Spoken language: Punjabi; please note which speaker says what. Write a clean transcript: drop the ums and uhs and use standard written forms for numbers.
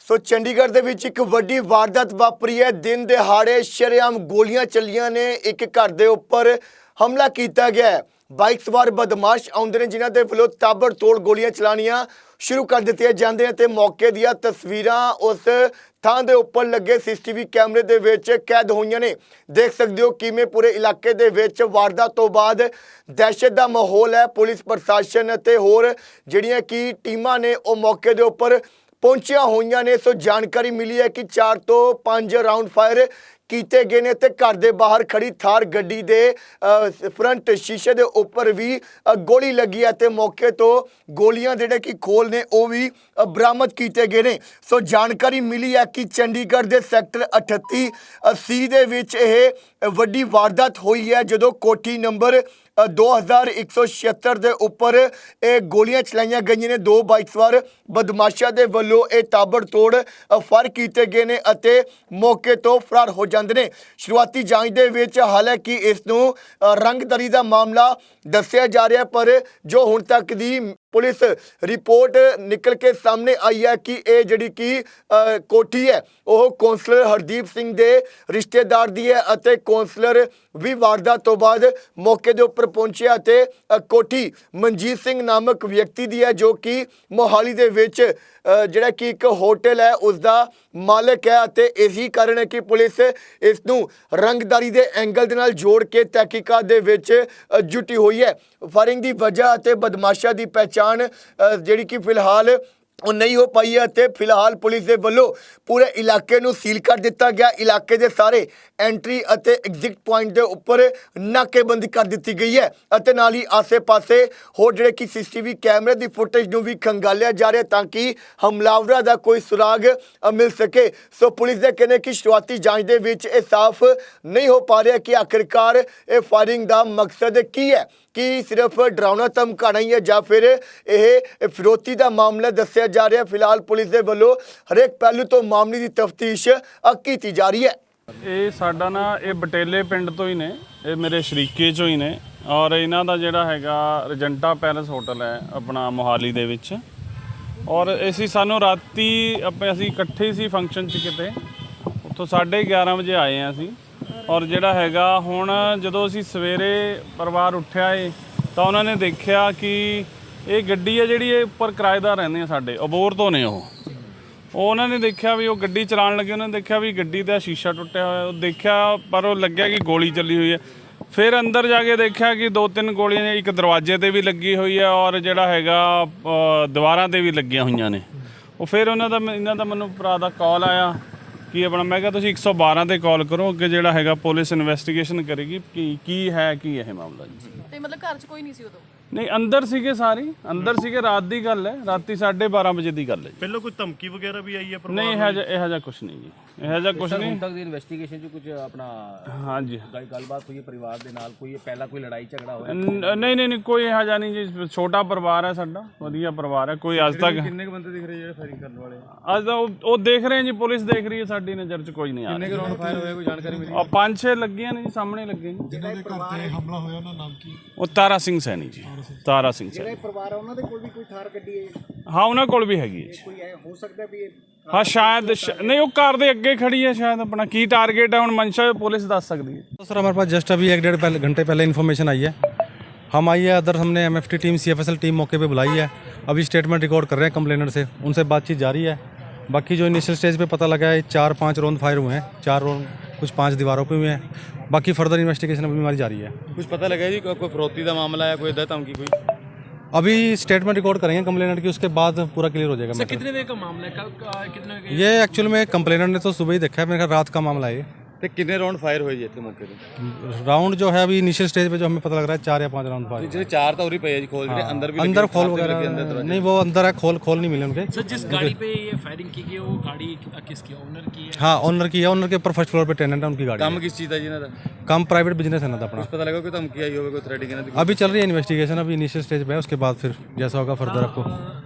Speaker 1: ਸੋ ਚੰਡੀਗੜ੍ਹ ਦੇ ਵਿੱਚ ਇੱਕ ਵੱਡੀ ਵਾਰਦਾਤ ਵਾਪਰੀ ਹੈ। ਦਿਨ ਦਿਹਾੜੇ ਸ਼ਰੇਆਮ ਗੋਲੀਆਂ ਚੱਲੀਆਂ ਨੇ। ਇੱਕ ਘਰ ਦੇ ਉੱਪਰ ਹਮਲਾ ਕੀਤਾ ਗਿਆ ਹੈ। ਬਾਈਕ ਸਵਾਰ ਬਦਮਾਸ਼ ਆਉਂਦੇ ਨੇ ਜਿਨ੍ਹਾਂ ਦੇ ਵੱਲੋਂ ਤਾਬੜਤੋੜ ਗੋਲੀਆਂ ਚਲਾਉਣੀਆਂ ਸ਼ੁਰੂ ਕਰ ਦਿੱਤੀਆਂ ਜਾਂਦੀਆਂ ਤੇ ਮੌਕੇ ਦੀਆਂ ਤਸਵੀਰਾਂ ਉਸ ਥਾਂ ਦੇ ਉੱਪਰ ਲੱਗੇ ਸੀਸੀਟੀਵੀ ਕੈਮਰੇ ਦੇ ਵਿੱਚ ਕੈਦ ਹੋਈਆਂ ਨੇ। ਦੇਖ ਸਕਦੇ ਹੋ ਕਿਵੇਂ ਪੂਰੇ ਇਲਾਕੇ ਦੇ ਵਿੱਚ ਵਾਰਦਾਤ ਤੋਂ ਬਾਅਦ ਦਹਿਸ਼ਤ ਦਾ ਮਾਹੌਲ ਹੈ। ਪੁਲਿਸ ਪ੍ਰਸ਼ਾਸਨ ਅਤੇ ਹੋਰ ਜਿਹੜੀਆਂ ਕਿ ਟੀਮਾਂ ਨੇ ਉਹ ਮੌਕੇ ਦੇ ਉੱਪਰ ਪਹੁੰਚੀਆਂ ਹੋਈਆਂ ਨੇ। ਸੋ ਜਾਣਕਾਰੀ ਮਿਲੀ ਹੈ ਕਿ 4 ਤੋਂ 5 ਰਾਉਂਡ ਫਾਇਰ ਕੀਤੇ ਗਏ ਨੇ ਤੇ ਘਰ ਦੇ ਬਾਹਰ ਖੜੀ ਥਾਰ ਗੱਡੀ ਦੇ ਫਰੰਟ ਸ਼ੀਸ਼ੇ ਦੇ ਉੱਪਰ ਵੀ ਗੋਲੀ ਲੱਗੀ ਹੈ ਤੇ ਮੌਕੇ ਤੋਂ ਗੋਲੀਆਂ ਜਿਹੜੇ ਕਿ ਖੋਲ ਨੇ ਉਹ ਵੀ ਬਰਾਮਦ ਕੀਤੇ ਗਏ ਨੇ। ਸੋ ਜਾਣਕਾਰੀ ਮਿਲੀ ਹੈ ਕਿ ਚੰਡੀਗੜ੍ਹ ਦੇ ਸੈਕਟਰ 38 C ਦੇ ਵਿੱਚ ਇਹ ਵੱਡੀ ਵਾਰਦਾਤ ਹੋਈ ਹੈ ਜਦੋਂ ਕੋਠੀ ਨੰਬਰ 2176 ਦੇ ਉੱਪਰ ਇਹ ਗੋਲੀਆਂ ਚਲਾਈਆਂ ਗਈਆਂ ਨੇ। 2 ਬਾਈਕ ਸਵਾਰ ਬਦਮਾਸ਼ਾਂ ਦੇ ਵੱਲੋਂ ਇਹ ਤਾਬੜਤੋੜ ਫਾਇਰ ਕੀਤੇ ਗਏ ਨੇ ਅਤੇ ਮੌਕੇ ਤੋਂ ਫਰਾਰ ਹੋ ਜਾਂਦੇ ਨੇ। ਸ਼ੁਰੂਆਤੀ ਜਾਂਚ ਦੇ ਵਿੱਚ ਹਾਲਾਂਕਿ ਇਸ ਨੂੰ ਰੰਗਦਾਰੀ ਦਾ ਮਾਮਲਾ ਦੱਸਿਆ ਜਾ ਰਿਹਾ ਪਰ ਜੋ ਹੁਣ ਤੱਕ ਦੀ ਪੁਲਿਸ ਰਿਪੋਰਟ ਨਿਕਲ ਕੇ ਸਾਹਮਣੇ ਆਈ ਹੈ ਕਿ ਇਹ ਜਿਹੜੀ ਕਿ ਕੋਠੀ ਹੈ ਉਹ ਕੌਂਸਲਰ ਹਰਦੀਪ ਸਿੰਘ ਦੇ ਰਿਸ਼ਤੇਦਾਰ ਦੀ ਹੈ ਅਤੇ ਕੌਂਸਲਰ ਵੀ ਵਾਰਦਾਤ ਤੋਂ ਬਾਅਦ ਮੌਕੇ ਦੇ ਉੱਪਰ ਪਹੁੰਚਿਆ ਅਤੇ ਕੋਠੀ ਮਨਜੀਤ ਸਿੰਘ ਨਾਮਕ ਵਿਅਕਤੀ ਦੀ ਹੈ ਜੋ ਕਿ ਮੋਹਾਲੀ ਦੇ ਵਿੱਚ ਜਿਹੜਾ ਕਿ ਇੱਕ ਹੋਟਲ ਹੈ ਉਸ ਦਾ ਮਾਲਕ ਹੈ ਅਤੇ ਇਸੇ ਕਾਰਨ ਹੈ ਕਿ ਪੁਲਿਸ ਇਸ ਨੂੰ ਰੰਗਦਾਰੀ ਦੇ ਐਂਗਲ ਦੇ ਨਾਲ ਜੋੜ ਕੇ ਤਹਿਕੀਕਾਤ ਦੇ ਵਿੱਚ ਜੁਟੀ ਹੋਈ ਹੈ। ਫਾਇਰਿੰਗ ਦੀ ਵਜ੍ਹਾ ਅਤੇ ਬਦਮਾਸ਼ਾਂ ਦੀ ਪਹਿਚਾਣ ਜਿਹੜੀ ਕਿ ਫਿਲਹਾਲ ਉਹ ਨਹੀਂ ਹੋ ਪਾਈ ਹੈ ਅਤੇ ਫਿਲਹਾਲ ਪੁਲਿਸ ਦੇ ਵੱਲੋਂ ਪੂਰੇ ਇਲਾਕੇ ਨੂੰ ਸੀਲ ਕਰ ਦਿੱਤਾ ਗਿਆ। ਇਲਾਕੇ ਦੇ ਸਾਰੇ ਐਂਟਰੀ ਅਤੇ ਐਗਜ਼ਿਟ ਪੁਆਇੰਟ ਦੇ ਉੱਪਰ ਨਾਕੇਬੰਦੀ ਕਰ ਦਿੱਤੀ ਗਈ ਹੈ ਅਤੇ ਨਾਲ ਹੀ ਆਸੇ-ਪਾਸੇ ਹੋਰ ਜਿਹੜੇ ਕਿ ਸੀਸੀਟੀਵੀ ਕੈਮਰੇ ਦੀ ਫੁਟੇਜ ਨੂੰ ਵੀ ਖੰਗਾਲਿਆ ਜਾ ਰਿਹਾ ਤਾਂ ਕਿ ਹਮਲਾਵਰਾਂ ਦਾ ਕੋਈ ਸੁਰਾਗ ਮਿਲ ਸਕੇ। ਸੋ ਪੁਲਿਸ ਦੇ ਕਹਿੰਦੇ ਕਿ ਸ਼ੁਰੂਆਤੀ ਜਾਂਚ ਦੇ ਵਿੱਚ ਇਹ ਸਾਫ਼ ਨਹੀਂ ਹੋ ਪਾ ਰਿਹਾ ਕਿ ਆਖਿਰਕਾਰ ਇਹ ਫਾਇਰਿੰਗ ਦਾ ਮਕਸਦ ਕੀ ਹੈ, ਕਿ ਸਿਰਫ ਡਰਾਉਣਾ ਧਮਕਾਉਣਾ ਹੀ ਹੈ ਜਾਂ ਫਿਰ ਇਹ ਫਿਰੌਤੀ ਦਾ ਮਾਮਲਾ ਦੱਸਿਆ ਜਾ ਰਿਹਾ। ਫਿਲਹਾਲ ਪੁਲਿਸ ਦੇ ਵੱਲੋਂ ਹਰੇਕ ਪਹਿਲੂ ਤੋਂ ਮਾਮਲੇ ਦੀ ਤਫਤੀਸ਼ ਕੀਤੀ ਜਾ ਰਹੀ ਹੈ।
Speaker 2: ਇਹ ਸਾਡਾ ਨਾ ਇਹ ਬਟੇਲੇ ਪਿੰਡ ਤੋਂ ਹੀ ਨੇ, ਇਹ ਮੇਰੇ ਸ਼ਰੀਕੇ ਚੋਂ ਹੀ ਨੇ ਔਰ ਇਹਨਾਂ ਦਾ ਜਿਹੜਾ ਹੈਗਾ ਰਜੰਟਾ ਪੈਲਸ ਹੋਟਲ ਹੈ ਆਪਣਾ ਮੋਹਾਲੀ ਦੇ ਵਿੱਚ। ਔਰ ਸਾਨੂੰ ਰਾਤੀ ਅਸੀਂ ਇਕੱਠੇ ਸੀ ਫੰਕਸ਼ਨ 'ਚ ਕਿਤੇ, ਉੱਥੋਂ 11:30 ਵਜੇ ਆਏ ਹਾਂ ਅਸੀਂ। ਔਰ ਜਿਹੜਾ ਹੈਗਾ ਹੁਣ ਜਦੋਂ ਅਸੀਂ ਸਵੇਰੇ ਪਰਿਵਾਰ ਉੱਠਿਆ ਏ ਤਾਂ ਉਹਨਾਂ ਨੇ ਦੇਖਿਆ ਕਿ ਇਹ ਗੱਡੀ ਹੈ ਜਿਹੜੀ ਇਹ ਉੱਪਰ ਕਿਰਾਏਦਾਰ ਰਹਿੰਦੇ ਆ ਸਾਡੇ ਅਬੋਹਰ ਤੋਂ ਨੇ। ਉਹ ਉਹਨਾਂ ਨੇ ਦੇਖਿਆ ਵੀ ਉਹ ਗੱਡੀ ਚਲਾਉਣ ਲੱਗੇ, ਉਹਨਾਂ ਨੇ ਦੇਖਿਆ ਵੀ ਗੱਡੀ ਦਾ ਸ਼ੀਸ਼ਾ ਟੁੱਟਿਆ ਹੋਇਆ। ਉਹ ਦੇਖਿਆ ਪਰ ਉਹ ਲੱਗਿਆ ਕਿ ਗੋਲੀ ਚੱਲੀ ਹੋਈ ਹੈ। ਫਿਰ ਅੰਦਰ ਜਾ ਕੇ ਦੇਖਿਆ ਕਿ 2-3 ਗੋਲੀਆਂ ਇੱਕ ਦਰਵਾਜ਼ੇ 'ਤੇ ਵੀ ਲੱਗੀ ਹੋਈ ਹੈ ਔਰ ਜਿਹੜਾ ਹੈਗਾ ਦੀਵਾਰਾਂ 'ਤੇ ਵੀ ਲੱਗੀਆਂ ਹੋਈਆਂ ਨੇ। ਉਹ ਫਿਰ ਇਹਨਾਂ ਦਾ ਮੈਨੂੰ ਭਰਾ ਦਾ ਕਾਲ ਆਇਆ ਕਿ ਆਪਣਾ, ਮੈਂ ਕਿਹਾ ਤੁਸੀਂ 112 ਤੇ ਕਾਲ ਕਰੋ, ਅੱਗੇ ਜਿਹੜਾ ਹੈਗਾ ਪੁਲਿਸ ਇਨਵੈਸਟੀਗੇਸ਼ਨ ਕਰੇਗੀ ਕਿ ਕੀ ਹੈ ਕੀ ਇਹ ਮਾਮਲਾ ਜੀ।
Speaker 3: ਤੇ ਮਤਲਬ ਘਰ 'ਚ ਕੋਈ ਨਹੀਂ ਸੀ ਉਦੋਂ?
Speaker 2: ਨਹੀਂ, ਅੰਦਰ ਸੀਗੇ ਸਾਰੇ, ਅੰਦਰ ਸੀਗੇ। ਰਾਤ ਦੀ ਗੱਲ ਹੈ, ਰਾਤੀ 12:30 ਵਜੇ ਦੀ ਗੱਲ ਹੈ।
Speaker 4: ਪਹਿਲਾਂ ਕੋਈ ਧਮਕੀ ਵਗੈਰਾ ਵੀ ਆਈ ਹੈ?
Speaker 2: ਨਹੀਂ, ਇਹੋ ਜਿਹਾ ਕੁਝ ਨਹੀਂ ਜੀ, ਇਹੋ ਜਿਹਾ ਕੁਝ ਨਹੀਂ।
Speaker 5: ਹੁਣ ਤੱਕ ਦੀ ਇਨਵੈਸਟੀਗੇਸ਼ਨ 'ਚ ਕੁਝ ਆਪਣਾ
Speaker 2: ਹਾਂਜੀ
Speaker 5: ਗੱਲਬਾਤ ਹੋਈ ਪਰਿਵਾਰ ਦੇ ਨਾਲ, ਕੋਈ ਪਹਿਲਾਂ ਕੋਈ ਲੜਾਈ ਝਗੜਾ ਹੋਇਆ?
Speaker 2: ਨਹੀਂ, ਕੋਈ ਇਹੋ ਜਿਹਾ ਨਹੀਂ ਜੀ। ਛੋਟਾ ਪਰਿਵਾਰ ਹੈ ਸਾਡਾ, ਵਧੀਆ ਪਰਿਵਾਰ ਹੈ। ਕੋਈ ਅੱਜ ਤੱਕ
Speaker 4: ਕਿੰਨੇ ਬੰਦੇ ਦਿਖ ਰਹੇ ਜਿਹੜੇ ਫਾਇਰਿੰਗ ਕਰਨ ਵਾਲੇ?
Speaker 2: ਅੱਜ ਤਾਂ ਉਹ ਦੇਖ ਰਹੇ ਜੀ, ਪੁਲਿਸ ਦੇਖ ਰਹੀ ਹੈ, ਸਾਡੀ ਨਜ਼ਰ 'ਚ ਕੋਈ ਨਹੀਂ ਆ ਰਿਹਾ।
Speaker 4: ਕਿੰਨੇ ਰਾਉਂਡ ਫਾਇਰ ਹੋਇਆ, ਕੋਈ ਜਾਣਕਾਰੀ ਮਿਲੀ?
Speaker 2: 5-6 ਲੱਗੀਆਂ ਨੇ ਜੀ, ਸਾਹਮਣੇ ਲੱਗੇ ਨੇ।
Speaker 4: ਜਿਹਨਾਂ ਦੇ ਘਰ ਤੇ ਹਮਲਾ ਹੋਇਆ ਉਹਨਾਂ ਨਾਮ ਕੀ?
Speaker 2: ਉਹ ਤਾਰਾ ਸਿੰਘ ਸੈਣੀ ਜੀ, ਤਾਰਾ ਸਿੰਘ ਸੈਣੀ।
Speaker 6: ਜਿਹੜੇ ਪਰਿਵਾਰ ਆ ਉਹਨਾਂ ਦੇ ਕੋਲ ਵੀ ਕੋਈ ਥਾਰ ਗੱਡੀ ਹੈ?
Speaker 2: ਹਾਂ, ਉਹਨਾਂ ਕੋਲ ਵੀ ਹੈਗੀ ਹੈ ਜੀ।
Speaker 6: ਕੋਈ ਹੋ ਸਕਦਾ ਵੀ
Speaker 2: ਹਾਂ ਸ਼ਾयद नहीं, वो कार दे अगे खड़ी है शायद। अपना की टारगेट है हुण मंशा पुलिस दस सकती है।
Speaker 7: तो सर हमारे पास जस्ट अभी 1-1.5 घंटे पहले इन्फॉर्मेशन आई है। हम आई है अदर, हमने MFT टीम CFSL टीम मौके पे बुलाई है। अभी स्टेटमेंट रिकॉर्ड कर रहे हैं कंप्लेनर से, उनसे बातचीत जारी है। बाकी जो इनिशियल स्टेज पे पता लगा है 4-5 राउंड फायर हुए हैं, 4 राउंड कुछ 5 दीवारों पे हुए हैं। बाकी फर्दर इन्वेस्टिगेशन अभी हमारी जारी है।
Speaker 4: कुछ पता लगा जी कोई फिरौती का मामला है, कोई धमकी कोई?
Speaker 7: अभी स्टेटमेंट रिकॉर्ड करेंगे कंप्लेनर की, उसके बाद पूरा क्लियर हो जाएगा।
Speaker 4: कितने देर का मामला है? कल कितने?
Speaker 7: ये एक्चुअल में कंप्लेनर ने तो सुबह ही देखा है, मेरे ख्याल रात का मामला है ये।
Speaker 4: ਤੇ ਕਿੰਨੇ ਰਾਉਂਡ ਫਾਇਰ ਹੋਏ ਜੀ ਇੱਥੇ ਮੌਕੇ ਤੇ?
Speaker 7: राउंड जो है अभी इनिशियल स्टेज पे जो हमें पता लग रहा है 4 या 5 राउंड फायर।
Speaker 4: ਜਿਹੜੇ 4 ਤਾਂ ਉਰੀ ਪਏ ਆ ਜੀ ਖੋਲ, ਜਿਹੜੇ ਅੰਦਰ ਵੀ
Speaker 7: अंदर खोल वगैरह नहीं, वो अंदर है, खोल नहीं मिले उनके।
Speaker 8: सर जिस गाड़ी पे ये फायरिंग की गई वो गाड़ी किसकी, ओनर की है?
Speaker 7: हाँ, ओनर की है। ओनर के ऊपर फर्स्ट फ्लोर पे टेनेंट है, उनकी गाड़ी
Speaker 4: ਕੰਮ
Speaker 7: है।
Speaker 4: ਕਿਸ ਚੀਜ਼ ਦਾ ਜੀ ਇਹਨਾਂ ਦਾ?
Speaker 7: काम प्राइवेट बिजनेस है ना अपना।
Speaker 4: ਪਤਾ ਲੱਗਾ ਕੋਈ ਧਮਕੀ ਆਈ ਹੋਵੇ, ਕੋਈ ਥ੍ਰੈਟਿੰਗ ਇਹਨਾਂ ਦੀ?
Speaker 7: अभी चल रही है इन्वेस्टिगेशन, अभी इनिशियल स्टेज पे है, उसके बाद फिर जैसा होगा फर्दर आपको